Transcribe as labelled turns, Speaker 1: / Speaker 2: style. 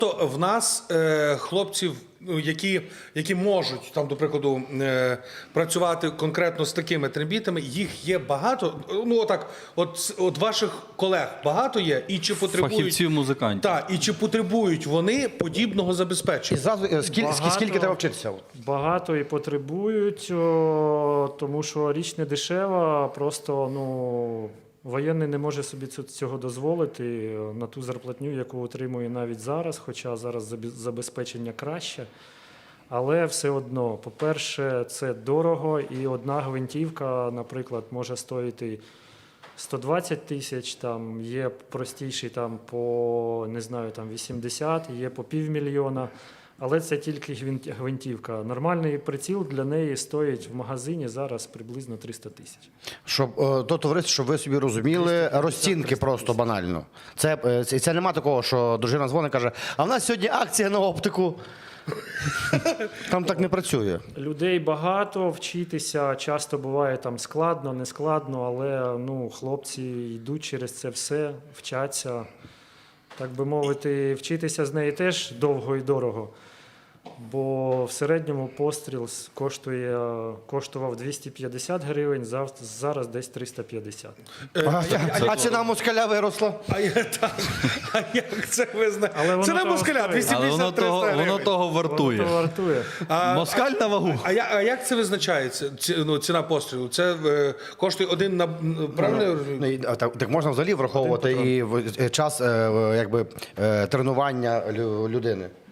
Speaker 1: То в нас хлопців, ну, які можуть, там, до прикладу, працювати конкретно з такими трембітами, їх є багато. Ну, отак, от ваших колег багато є, і чи потребують...
Speaker 2: Фахівців-музикантів.
Speaker 1: Так, і чи потребують вони подібного
Speaker 3: І
Speaker 1: забезпечення?
Speaker 3: зразу, скільки треба вчитися?
Speaker 4: Багато і потребують, тому що річ не дешева, просто воєнний не може собі цього дозволити на ту зарплатню, яку отримує навіть зараз, хоча зараз забезпечення краще. Але все одно, по-перше, це дорого, і одна гвинтівка, наприклад, може стоїти 120 тисяч, там є простіший там по, не знаю, там 80, є по півмільйона. Але це тільки гвинтівка. Нормальний приціл для неї стоїть в магазині зараз приблизно 300 тисяч.
Speaker 3: Щоб то товариство, щоб ви собі розуміли, розцінки просто банально. Це нема такого, що дружина дзвонить і каже, а в нас сьогодні акція на оптику. Там так не працює.
Speaker 4: Людей багато, вчитися часто буває там складно, не складно, але хлопці йдуть через це все, вчаться. Так би мовити, вчитися з неї теж довго і дорого. Бо в середньому постріл коштував 250 гривень, зараз десь 350.
Speaker 3: А ціна москаля виросла?
Speaker 1: А як це ви знаєте? Це не москаля,
Speaker 2: Але
Speaker 1: 250-300 гривень.
Speaker 2: воно того вартує.
Speaker 4: Воно вартує.
Speaker 2: Москаль на вагу.
Speaker 1: А як це визначається, ціна пострілу? Це коштує один на... Правильно я розумію?
Speaker 3: Так можна взагалі враховувати і час тренування людини.